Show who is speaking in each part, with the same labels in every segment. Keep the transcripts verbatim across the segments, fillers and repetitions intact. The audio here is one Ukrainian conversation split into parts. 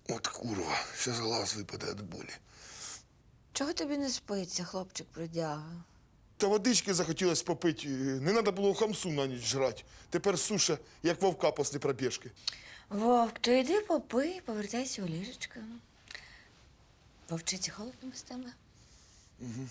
Speaker 1: От курва, зараз глаз випаде від болі.
Speaker 2: Чого тобі не спиться, хлопчик бродяга?
Speaker 1: Та водички захотілося попити. Не треба було хамсу на ніч жрати. Тепер суша, як вовка після пробіжки.
Speaker 2: Вовк, то йди попий, повертайся у ліжечко. Вовчиці холодно без тебе?
Speaker 1: Угу.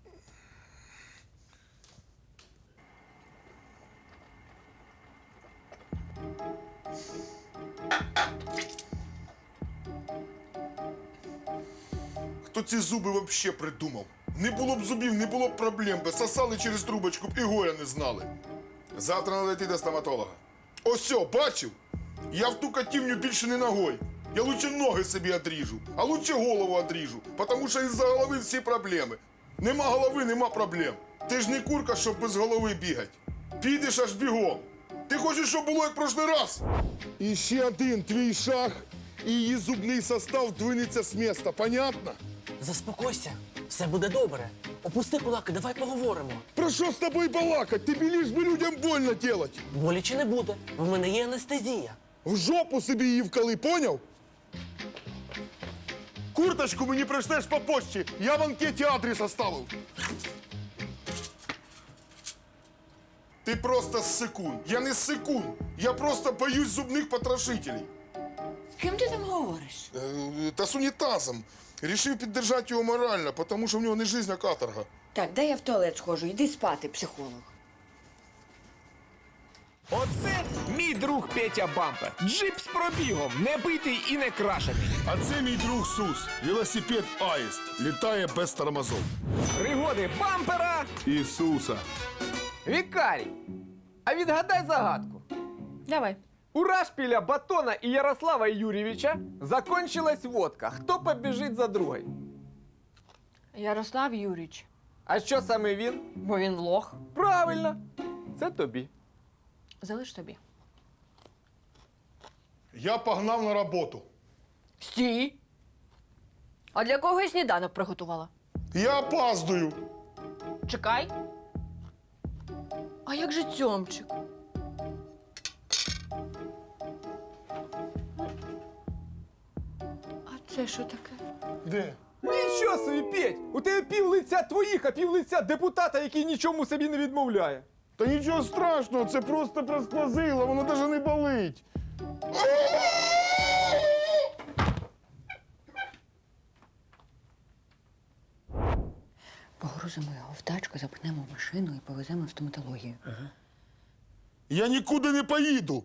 Speaker 1: Хто ці зуби взагалі придумав? Не було б зубів, не було б проблем, би сосали через трубочку б і горя не знали. Завтра треба йти до стоматолога. Ось, бачив? Я в ту котівню більше не ногой. Я лучше ноги собі отріжу, а лучше голову отріжу, тому що із-за голови всі проблеми. Нема голови, нема проблем. Ти ж не курка, щоб без голови бігати. Підеш аж бігом. Ти хочеш, щоб було як прошлий раз? І ще один твій шаг, і її зубний состав двинеться з міста, понятно?
Speaker 3: Заспокойся, все буде добре. Опусти кулаки, давай поговоримо.
Speaker 1: Про що з тобою балакать? Тобі лиш би людям больно делать.
Speaker 3: Боляче не буде, в мене є анестезія.
Speaker 1: В жопу собі її вкали, поняв? Курточку мені пришлеш по почті, я в анкеті адрес оставив. Ти просто ссикун. Я не ссикун. Я просто боюсь зубних потрошителей.
Speaker 2: З ким ти там говориш?
Speaker 1: Е, Та з унітазом. Рішив піддержати його морально, тому що в нього не жизнь, а каторга.
Speaker 2: Так, дай я в туалет схожу, йди спати, психолог.
Speaker 4: Оце мій друг Петя Бампер. Джип з пробігом, не битий і не крашений.
Speaker 1: А це мій друг Сус. Велосипед Аїст. Літає без тормозов.
Speaker 4: Пригоди бампера.
Speaker 1: Ісуса.
Speaker 4: Вікарій, а відгадай загадку.
Speaker 2: Давай.
Speaker 4: У Рашпіля, Батона і Ярослава Юрійовича закончилась водка. Хто побіжить за другой?
Speaker 5: Ярослав Юрійович,
Speaker 4: А що саме він?
Speaker 5: бо він лох.
Speaker 4: Правильно, це тобі.
Speaker 5: Залиш тобі.
Speaker 1: Я погнав на роботу.
Speaker 5: Стій! А для кого я сніданок приготувала?
Speaker 1: Я опаздую.
Speaker 5: Чекай. А як же Тьомчик? А це що таке?
Speaker 1: Де?
Speaker 4: Нічого собі, Петь! У тебе пів лиця твоїх, а пів лиця депутата, який нічому собі не відмовляє.
Speaker 1: Та нічого страшного, це просто просквозило, воно навіть не болить.
Speaker 2: Погрузимо його в тачку, запнемо в машину і повеземо в стоматологію.
Speaker 1: Я нікуди не поїду.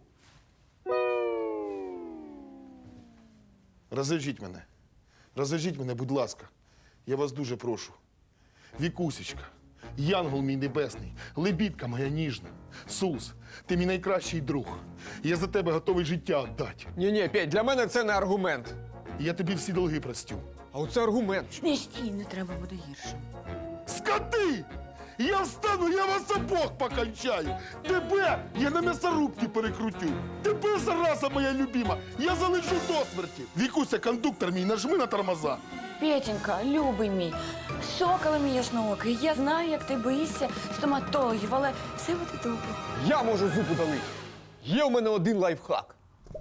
Speaker 1: Розв'яжіть мене. Розв'яжіть мене, будь ласка. Я вас дуже прошу. Вікусечка, янгол мій небесний, лебідка моя ніжна. Сус, ти мій найкращий друг. Я за тебе готовий життя віддати.
Speaker 4: Ні-ні, Петь, для мене це не аргумент.
Speaker 1: І я тобі всі долги простю.
Speaker 4: А оце аргумент.
Speaker 2: Не стій, не треба буде гірше.
Speaker 1: Скоти! Я встану, я вас обох покончаю. Тебе я на м'ясорубки перекрутю. Тебе, зараза моя любима, я залишу до смерті. Вікуся, кондуктор мій, нажми на тормоза.
Speaker 2: Петенька, любий мій, соколи мій ясноокий, я знаю, як ти боїшся стоматологів, але все буде добре.
Speaker 4: Я можу зуб удалити. Є у мене один лайфхак.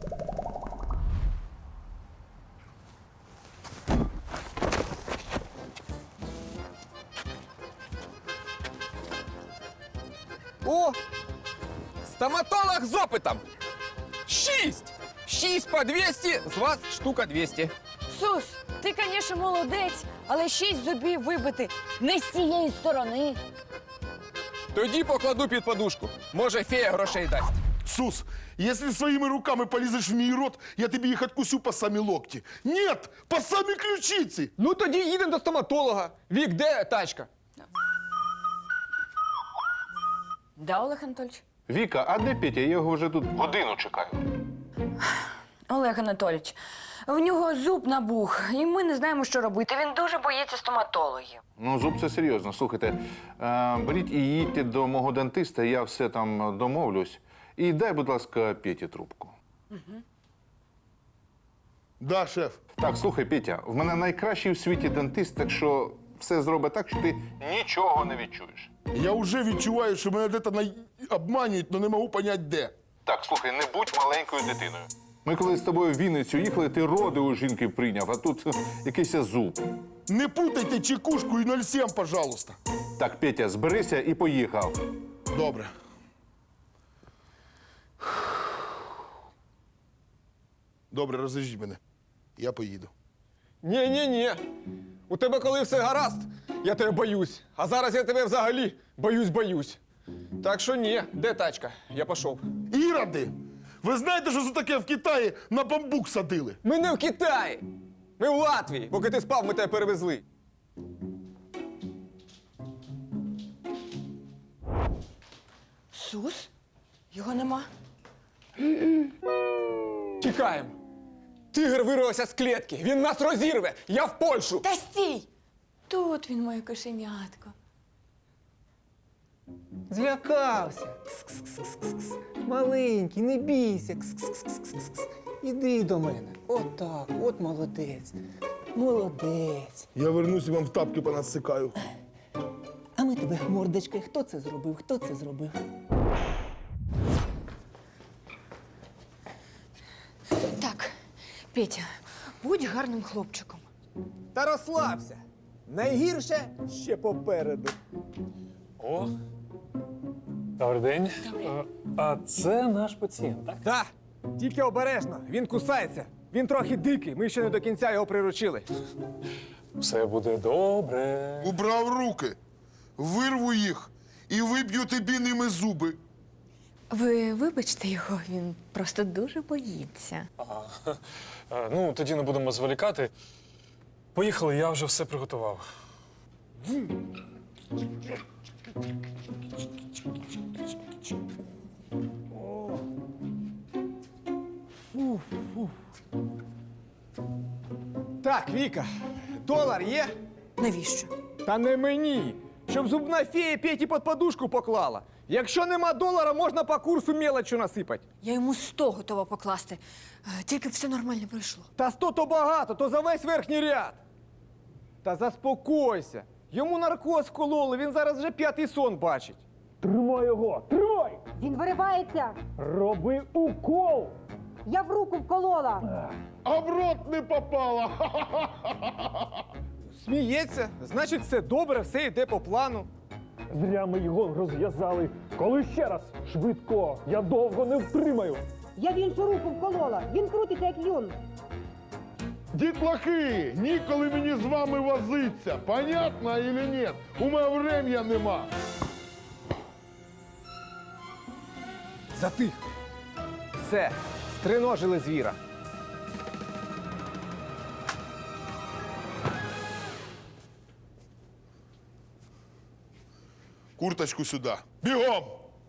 Speaker 4: О! Стоматолог з опитом! Шість! Шість по двісті, з вас штука двісті.
Speaker 2: Сус, ти, звісно, молодець, але шість зубів вибити не з цієї сторони.
Speaker 4: Тоді покладу під подушку. Може, фея грошей дасть.
Speaker 1: Сус, если своими руками полезешь в мій рот, я тобі їх откусю по самі локті. Нет, по самі ключиці.
Speaker 4: Ну тоді їдемо до стоматолога. Вік, де тачка?
Speaker 2: Да, Олег Анатольович?
Speaker 6: Віка, а де Петя? Я його вже тут годину чекаю.
Speaker 2: Олег Анатолійович, в нього зуб набух, і ми не знаємо, що робити. Він дуже боїться стоматологів.
Speaker 6: Ну, зуб це серйозно. Слухайте, е, беріть і їдьте до мого дантиста, я все там домовлюсь. І дай, будь ласка, Петі трубку.
Speaker 1: Да, шеф.
Speaker 6: Так, слухай, Петя, в мене найкращий у світі дантист, так що все зробить так, що ти нічого не відчуєш.
Speaker 1: Я вже відчуваю, що мене десь на... обманюють, але не можу зрозуміти, де.
Speaker 6: Так, слухай, не будь маленькою дитиною. Ми коли з тобою в Вінницю їхали, ти роди у жінки прийняв, а тут е, якийсь зуб.
Speaker 1: Не путайте чекушку і нуль сім, пожалуйста.
Speaker 6: Так, Петя, зберися і поїхав.
Speaker 1: Добре. Добре, розв'яжіть мене. Я поїду.
Speaker 4: Ні-ні-ні. У тебе коли все гаразд, я тебе боюсь. А зараз я тебе взагалі боюсь-боюсь. Так що ні, де тачка? Я пішов.
Speaker 1: Іроди! Ви знаєте, що це таке в Китаї на бамбук садили?
Speaker 4: Ми не в Китаї. Ми в Латвії. Поки ти спав, ми тебе перевезли.
Speaker 2: Сус? Його нема.
Speaker 4: Тікаємо. Тигр вирвався з клітки. Він нас розірве. Я в Польщу.
Speaker 2: Та стій! Тут він, моє кошенятко.
Speaker 7: Злякався. Кс-кс-кс-кс-кс. Маленький, не бійся. Кс-кс-кс-кс-кс. Іди до мене. От так, от молодець. Молодець.
Speaker 1: Я вернусь і вам в тапки понасикаю.
Speaker 7: А ми тебе мордочкою. Хто це зробив? Хто це зробив?
Speaker 2: Так, Петя, будь гарним хлопчиком.
Speaker 7: Та розслабся. Найгірше ще попереду.
Speaker 8: О, добрий день. Е, А це наш пацієнт, так?
Speaker 4: Так, тільки обережно. Він кусається. Він трохи дикий. Ми ще не до кінця його приручили.
Speaker 8: Все буде добре.
Speaker 1: Убрав руки, вирву їх і виб'ю тобі ними зуби.
Speaker 2: Ви вибачте його, він просто дуже боїться.
Speaker 8: Ага. Е, Ну, тоді не будемо зволікати. Поїхали, я вже все приготував.
Speaker 4: Так, Віка, долар є?
Speaker 2: Навіщо?
Speaker 4: Та не мені. Щоб зубна фея Петі під подушку поклала. Якщо нема долара, можна по курсу мелочу насипати.
Speaker 2: Я йому сто готова покласти. Е, Тільки б все нормально пройшло.
Speaker 4: Та сто то багато, то за весь верхній ряд. Та заспокойся. Йому наркоз вкололи, він зараз вже п'ятий сон бачить.
Speaker 8: Тримай його! Тримай!
Speaker 9: Він виривається.
Speaker 8: Роби укол!
Speaker 9: Я в руку вколола.
Speaker 1: А в рот не попала.
Speaker 4: Сміється, значить, все добре, все йде по плану.
Speaker 8: Зря ми його розв'язали. Коли ще раз? Швидко! Я довго не втримаю!
Speaker 9: Я в іншу руку вколола. Він крутиться, як юн.
Speaker 1: Дітлахи, ніколи мені з вами возиться. Понятно или нет? У мене врем'я нема.
Speaker 4: Затих. Все, стриножили звіра.
Speaker 1: Курточку сюди. Бігом!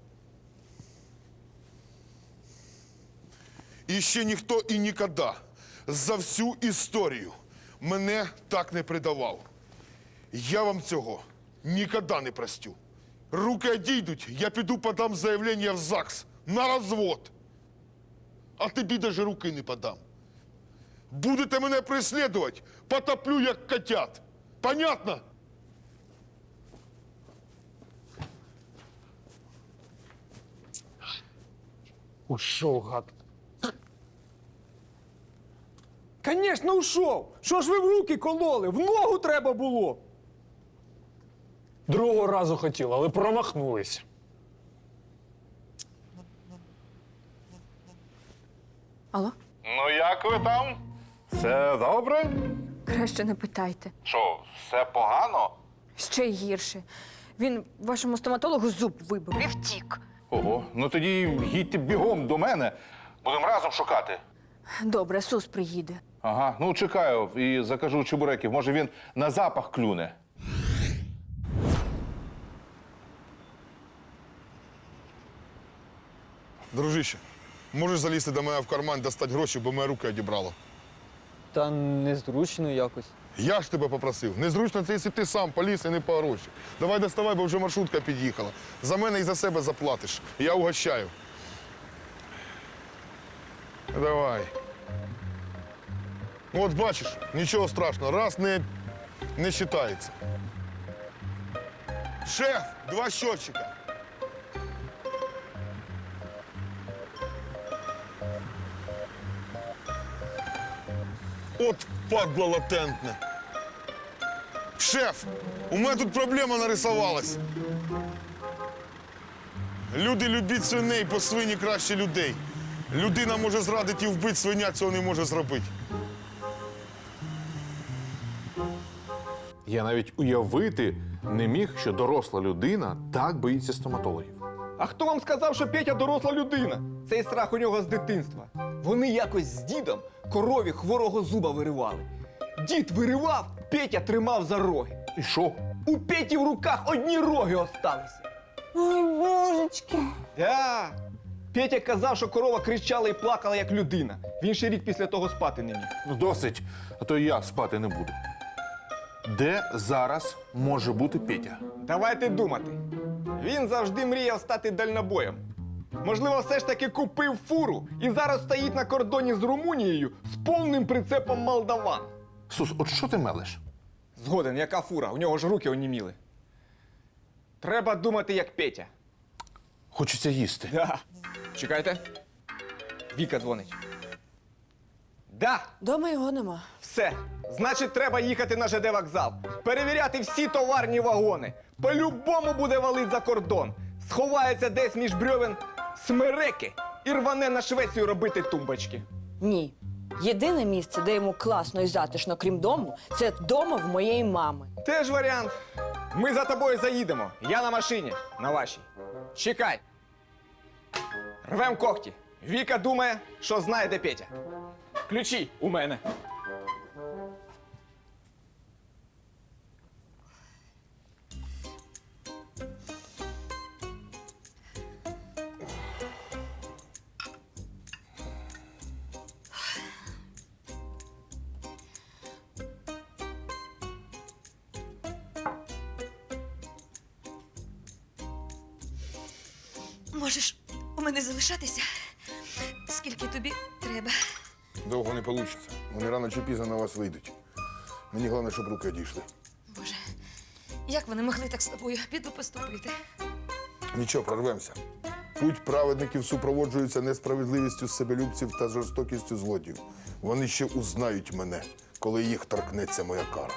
Speaker 1: І ще ніхто і ніколи за всю історію мене так не предавав. Я вам цього ніколи не простю. Руки одійдуть, я піду подам заявлення в ЗАГС на розвод. А тобі даже руки не подам. Будете мене преслідувати, потоплю, як котят. Понятно?
Speaker 8: Ушов, гад.
Speaker 4: Звісно, ушов. Що ж ви в руки кололи? В ногу треба було.
Speaker 8: Другого разу хотіли, але промахнулись.
Speaker 2: Алло?
Speaker 6: Ну як ви там? Все добре?
Speaker 2: Краще не питайте.
Speaker 6: Що, все погано?
Speaker 2: Ще й гірше. Він вашому стоматологу зуб вибив і втік.
Speaker 6: Ого, ну тоді їдьте бігом до мене. Будемо разом шукати.
Speaker 2: Добре, Сус приїде.
Speaker 6: Ага, ну чекаю і закажу чебуреків. Може він на запах клюне.
Speaker 1: Дружище, можеш залізти до мене в карман, достати гроші, бо моє руки одібрало.
Speaker 7: Та незручно якось.
Speaker 1: Я ж тебе попросив. Незручно це, якщо ти сам поліз і не по гроші. Давай доставай, бо вже маршрутка під'їхала. За мене і за себе заплатиш. Я угощаю. Давай. От бачиш, нічого страшного. Раз не, не вважається. Шеф, два щотчика. От падло латентне. Шеф, у мене тут проблема нарисувалась. Люди люблять свиней, бо свині краще людей. Людина може зрадити і вбити, свиня цього не може зробити.
Speaker 6: Я навіть уявити не міг, що доросла людина так боїться стоматологів.
Speaker 4: А хто вам сказав, що Петя доросла людина? Цей страх у нього з дитинства. Вони якось з дідом корові хворого зуба виривали. Дід виривав, Петя тримав за роги.
Speaker 6: І що?
Speaker 4: У Петі в руках одні роги осталися.
Speaker 7: Ой, божечки.
Speaker 4: Да. Петя казав, що корова кричала і плакала, як людина. Він ще рік після того спати не міг.
Speaker 6: Ну досить, а то і я спати не буду. Де зараз може бути Петя?
Speaker 4: Давайте думати. Він завжди мріяв стати дальнобоєм. Можливо, все ж таки купив фуру і зараз стоїть на кордоні з Румунією з повним прицепом молдаван.
Speaker 6: Сус, от що ти мелеш?
Speaker 4: Згоден, яка фура? У нього ж руки оніміли. Треба думати, як Петя.
Speaker 6: Хочеться їсти.
Speaker 4: Да. Чекайте. Віка дзвонить. Да,
Speaker 2: Дома його нема.
Speaker 4: все. Значить, треба їхати на ЖД вокзал. Перевіряти всі товарні вагони. По-любому буде валить за кордон. Сховається десь між брьовен смереки і рване на Швецію робити тумбочки.
Speaker 2: Ні. Єдине місце, де йому класно і затишно, крім дому, це дома в моєї мами.
Speaker 4: Теж варіант. Ми за тобою заїдемо. Я на машині, на вашій. Чекай. Рвем когті. Віка думає, що знає, де Петя. Ключі у мене.
Speaker 10: Можеш у мене залишатися, скільки тобі треба.
Speaker 1: Довго не вийде. Вони рано чи пізно на вас вийдуть. Мені головне, щоб руки одійшли.
Speaker 10: Боже, як вони могли так з тобою піду поступити?
Speaker 1: Нічого, прорвемося. Путь праведників супроводжується несправедливістю себелюбців та жорстокістю злодіїв. Вони ще узнають мене, коли їх торкнеться моя кара.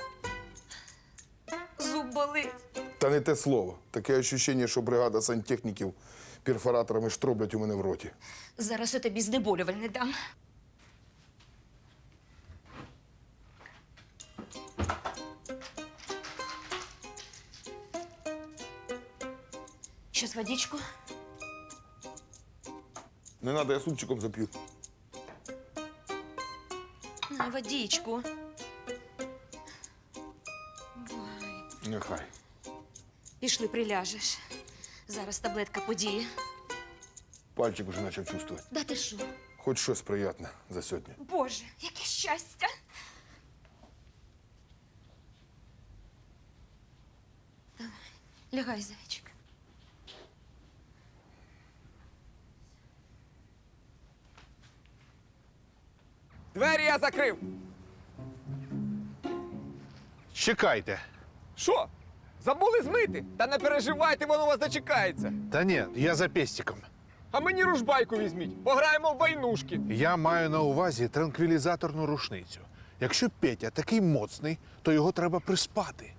Speaker 10: Зуб болить.
Speaker 1: Та не те слово. Таке відчуття, що бригада сантехніків перфораторами штроблять у мене в роті.
Speaker 10: Зараз я тобі знеболювальне дам. Щось водичку?
Speaker 1: Не треба, я супчиком зап'ю.
Speaker 10: На водичку.
Speaker 1: Нехай.
Speaker 10: Пішли, приляжеш. Зараз таблетка подіє.
Speaker 1: Пальчик вже почав чувствувати.
Speaker 10: Да ти що?
Speaker 1: Хоч щось приємне за сьогодні.
Speaker 10: Боже, яке щастя! Давай, лягай, зайчик.
Speaker 4: Двері я закрив.
Speaker 6: Чекайте.
Speaker 4: Що? Забули змити? Та не переживайте, воно вас дочекається.
Speaker 6: Та ні, я за пестиком.
Speaker 4: А мені ружбайку візьміть. Пограємо в войнушки.
Speaker 6: Я маю на увазі транквілізаторну рушницю. Якщо Петя такий моцний, то його треба приспати.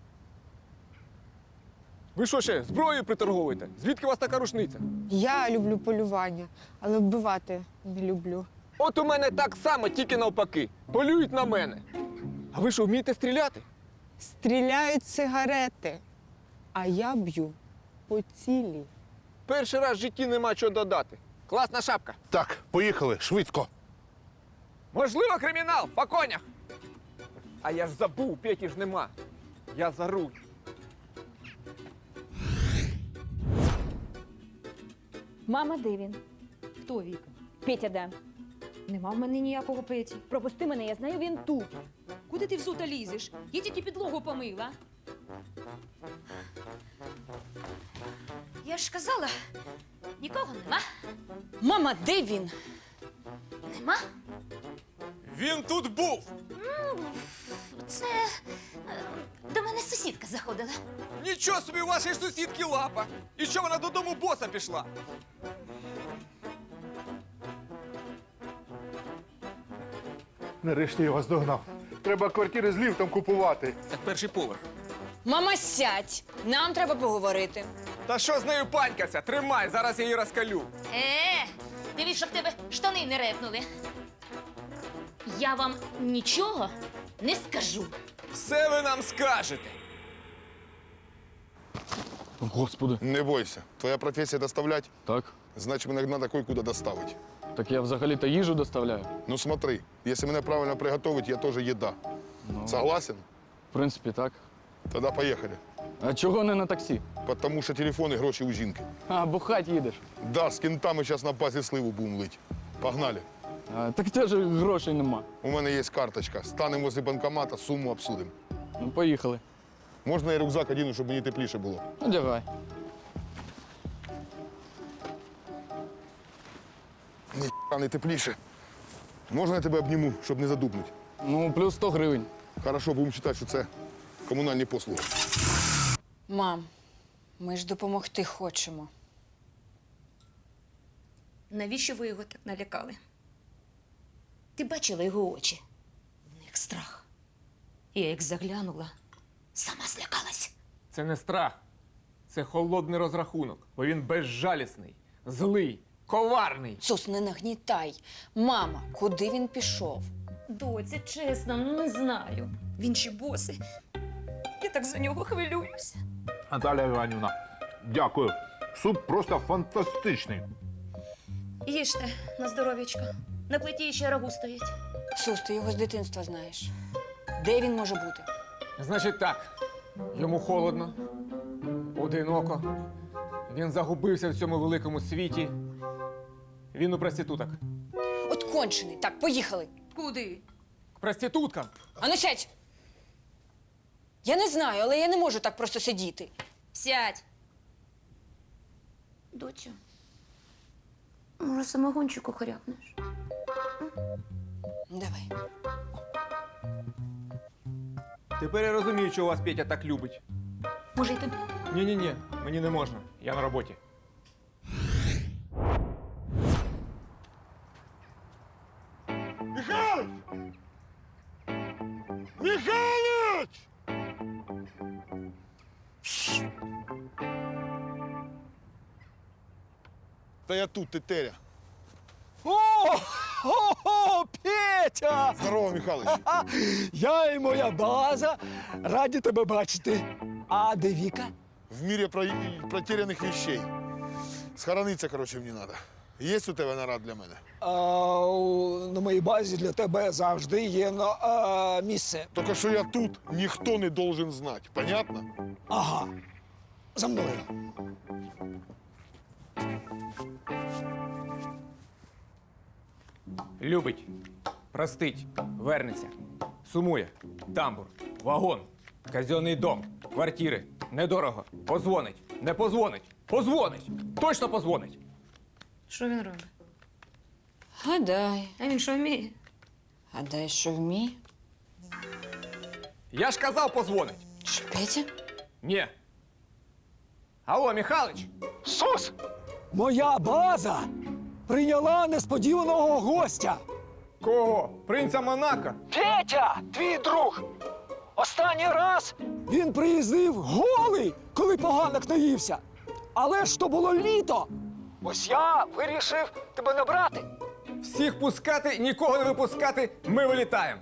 Speaker 4: Ви що ще, зброєю приторговуєте? Звідки у вас така рушниця?
Speaker 11: Я люблю полювання, але вбивати не люблю.
Speaker 4: От у мене так само, тільки навпаки. Полюють на мене. А ви що, вмієте стріляти?
Speaker 11: Стріляють сигарети, а я б'ю по цілі.
Speaker 4: Перший раз в житті нема чого додати. Класна шапка.
Speaker 6: Так, поїхали, швидко.
Speaker 4: Можливо, кримінал, по конях. А я ж забув, Петі ж нема. Я за руль.
Speaker 2: Мама, де він?
Speaker 5: Хто, Віка?
Speaker 2: Петя де?
Speaker 5: Нема в мене ніякого Петі.
Speaker 2: Пропусти мене, я знаю, він тут.
Speaker 5: Куди ти в сута лізеш? Я тільки підлогу помила.
Speaker 10: Я ж казала, нікого нема.
Speaker 2: Мама, де він?
Speaker 10: Нема?
Speaker 4: Він тут був!
Speaker 10: Це е, до мене сусідка заходила.
Speaker 4: Нічого собі, у вашої сусідки лапа! І що вона додому боса пішла?
Speaker 6: Нарешті я вас догнав. Треба квартири з ліфтом купувати.
Speaker 3: Так перший поверх.
Speaker 2: Мама, сядь! Нам треба поговорити.
Speaker 4: Та що з нею панькаться? Тримай, зараз я її розкалю.
Speaker 10: Е, дивись, щоб в тебе штани не репнули. Я вам нічого не скажу.
Speaker 4: Все ви нам скажете.
Speaker 12: Господи,
Speaker 1: Не бойся. Твоя професія доставлять,
Speaker 12: так?
Speaker 1: значить мене треба кое-куди доставити.
Speaker 12: Так я взагалі-то їжу доставляю.
Speaker 1: Ну смотри, якщо мене правильно приготовить, я теж їда. Согласен?
Speaker 12: В принципі, так.
Speaker 1: Тоді поїхали.
Speaker 12: А чого не на таксі?
Speaker 1: Тому що телефон і гроші у жінки.
Speaker 12: А, бухать їдеш.
Speaker 1: Да, з кінтами зараз на базі сливу будемо лить. Погнали.
Speaker 12: А, так теж грошей нема.
Speaker 1: У мене є карточка. Станемо возле банкомата, суму обсудимо.
Speaker 12: Ну, поїхали.
Speaker 1: Можна я рюкзак одіну, щоб мені тепліше було?
Speaker 12: Одягай.
Speaker 1: Ні, не тепліше. Можна я тебе обніму, щоб не задубнути?
Speaker 12: Ну, плюс сто гривень.
Speaker 1: Хорошо, будемо вважати, що це комунальні послуги.
Speaker 2: Мам, ми ж допомогти хочемо.
Speaker 10: Навіщо ви його так налякали? Ти бачила його очі? В них страх. Я як заглянула, сама злякалась.
Speaker 4: Це не страх. Це холодний розрахунок, бо він безжалісний, злий, коварний.
Speaker 2: Сус, не нагнітай. Мама, куди він пішов?
Speaker 10: Доця, чесно, ну не знаю. Він ще босий. Я так за нього хвилююся.
Speaker 6: Наталя Іванівна, дякую. Суп просто фантастичний.
Speaker 10: Їжте на здоров'ячко. На плиті ще рагу стоїть.
Speaker 2: Сус, ти його з дитинства знаєш. Де він може бути?
Speaker 4: Значить так, йому холодно, одиноко. Він загубився в цьому великому світі. Він у проституток.
Speaker 2: От кончений. Так, поїхали.
Speaker 10: Куди?
Speaker 4: К проституткам.
Speaker 2: Ану, сядь! Я не знаю, але я не можу так просто сидіти.
Speaker 10: Сядь. Доцю, може, самогончику хорякнеш?
Speaker 2: Давай.
Speaker 4: Тепер я розумію, чого вас Петя так любить.
Speaker 10: Може, й тобі?
Speaker 4: Ні-ні-ні, мені не можна. Я на роботі.
Speaker 1: Михайлович! Михайлович! Та я тут, тетеря.
Speaker 7: О, о, Петя!
Speaker 1: Здорово, Михайлович.
Speaker 7: Я і моя база раді тебе бачити. А де Віка?
Speaker 1: В мире про... протерянных вещей. Схорониться, короче, мені треба. Є у тебе нарад для мене?
Speaker 7: А, у- на моїй базі для тебе завжди є на, а, місце.
Speaker 1: Тільки що я тут, ніхто не должен знати. Понятно?
Speaker 7: Ага. За мною.
Speaker 4: Любить, простить, вернеться, сумує, тамбур, вагон, казенний дом, квартири, недорого, позвонить, не позвонить, позвонить, точно позвонить.
Speaker 10: Що він робить?
Speaker 2: Гадай.
Speaker 10: А він що вміє?
Speaker 2: Гадай, що вміє?
Speaker 4: Я ж казав, позвонить.
Speaker 2: Що, Петя?
Speaker 4: Ні. Алло, Михалыч,
Speaker 7: Сус! Моя база прийняла несподіваного гостя.
Speaker 4: кого? Принца Монако?
Speaker 7: Петя, твій друг. Останній раз він приїздив голий, коли поганок наївся. Але ж то було літо. Ось я вирішив тебе набрати.
Speaker 4: Всіх пускати, нікого не випускати, ми вилітаємо.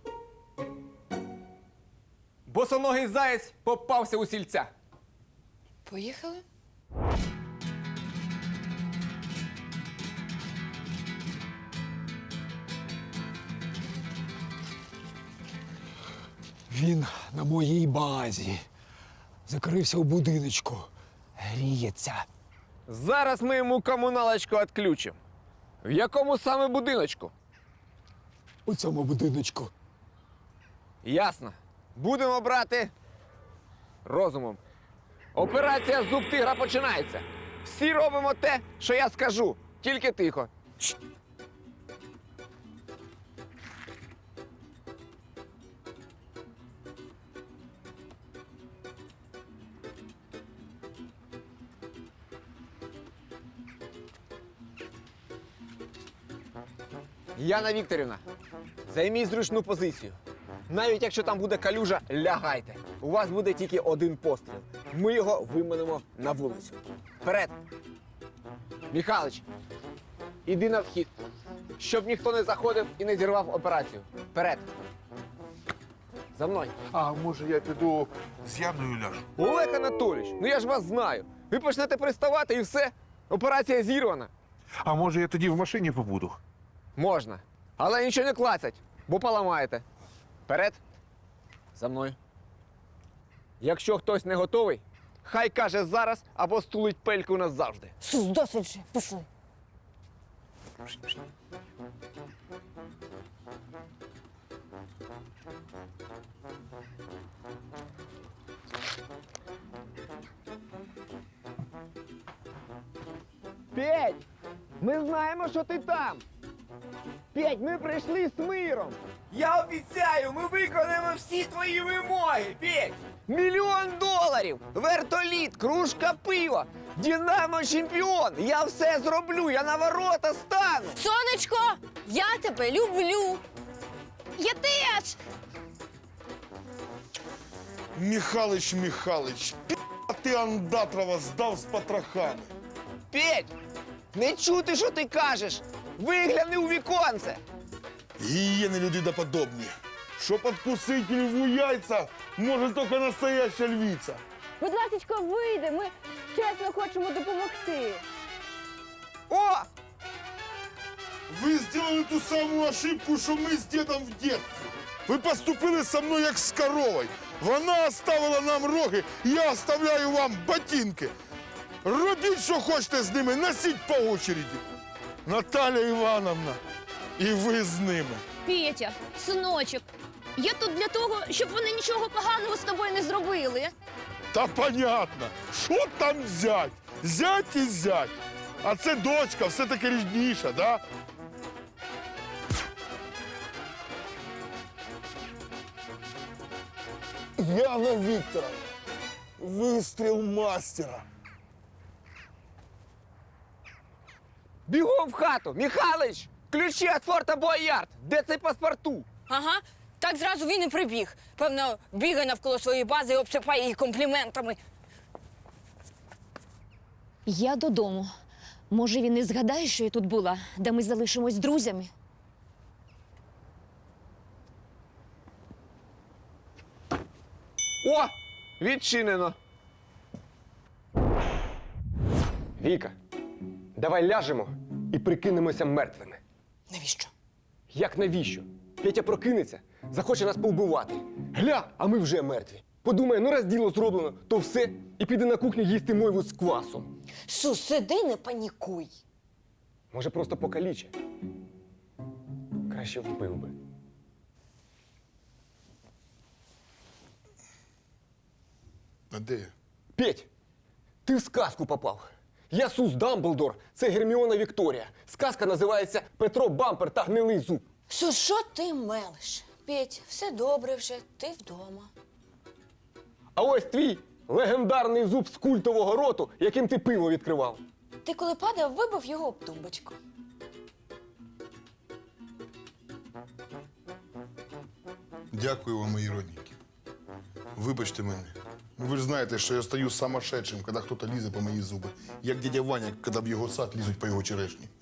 Speaker 4: Босоногий заєць попався у сільця.
Speaker 2: Поїхали?
Speaker 7: Він на моїй базі. Закрився у будиночку. Гріється.
Speaker 4: Зараз ми йому комуналочку відключимо. В якому саме будиночку?
Speaker 7: У цьому будиночку.
Speaker 4: Ясно. Будемо брати розумом. Операція «Зуб тигра» починається. Всі робимо те, що я скажу. Тільки тихо. Чш. Яна Вікторівна, займіть зручну позицію. Навіть якщо там буде калюжа, лягайте. У вас буде тільки один постріл. Ми його виманемо на вулицю. Вперед! Михалич, іди на вхід, щоб ніхто не заходив і не зірвав операцію. Вперед! За мною.
Speaker 6: А може я піду з Яною ляжу?
Speaker 4: Олег Анатолійович, ну я ж вас знаю. Ви почнете приставати і все. Операція зірвана.
Speaker 6: А може я тоді в машині побуду?
Speaker 4: Можна. Але нічого не клацать, бо поламаєте. Вперед. За мною. Якщо хтось не готовий, хай каже зараз або стулить пельку назавжди.
Speaker 5: Сус, досить же, пішли.
Speaker 4: Петь! Ми знаємо, що ти там! Петь, ми прийшли з миром! Я обіцяю, ми виконаємо всі твої вимоги, Петь! Мільйон доларів! Вертоліт, кружка пива! Динамо чемпіон! Я все зроблю, я на ворота стану!
Speaker 5: Сонечко, я тебе люблю.
Speaker 11: Я теж!
Speaker 1: Михалич, Михалич, пі***а ти Андатрова здав з потрохами.
Speaker 4: Петь! Не чути, що ти кажеш! Вигляни у віконце!
Speaker 1: Гиены людиноподобні. Щоб откусить льву яйця, може тільки настояща львиця.
Speaker 9: Будь ласка, вийди, ми чесно хочемо допомогти.
Speaker 4: О!
Speaker 1: Ви зробили ту саму ошибку, що ми з дідом в дитинстві. Ви поступили со мною як з коровою. Вона оставила нам роги, я оставляю вам ботинки. Робіть, що хочете з ними, носіть по очереді. Наталя Івановна, і ви з ними.
Speaker 5: Петя, синочок, я тут для того, щоб вони нічого поганого з тобою не зробили.
Speaker 1: Та понятно, що там зять? Зять і зять. А це дочка, все-таки рідніша, да? Яна Вікторовна, вистріл мастера.
Speaker 4: Бігом в хату! Михалич! Ключі від форта Боярд! Де цей паспорту?
Speaker 2: Ага, так зразу він і прибіг. Певно, бігає навколо своєї бази і обсипає її компліментами.
Speaker 10: Я додому. Може, він і згадає, що я тут була, де ми залишимось друзями.
Speaker 4: О! Відчинено. Віка, давай ляжемо і прикинемося мертвими.
Speaker 2: Навіщо?
Speaker 4: Як навіщо? Петя прокинеться, захоче нас повбивати. Гля, а ми вже мертві. Подумає, ну раз діло зроблено, то все, і піде на кухню їсти мойву з квасом.
Speaker 2: Сус, сиди, не панікуй.
Speaker 4: Може, просто покаліче. Краще вбив би.
Speaker 1: А де?
Speaker 4: Петь, ти в сказку попав. Я Сус Дамблдор, це Герміона Вікторія. Сказка називається «Петро Бампер та гнилий зуб».
Speaker 2: Сус, що ти мелиш? Петь, все добре вже, ти вдома.
Speaker 4: А ось твій легендарний зуб з культового роту, яким ти пиво відкривав.
Speaker 2: Ти коли падав, вибив його об тумбочку.
Speaker 1: Дякую вам, мої родненькі. Вибачте мене. Ну, ви ж знаєте, що я стаю самошедшим, коли хтось лізе по мої зуби. Як дядя Ваня, коли в його сад лізуть по його черешні.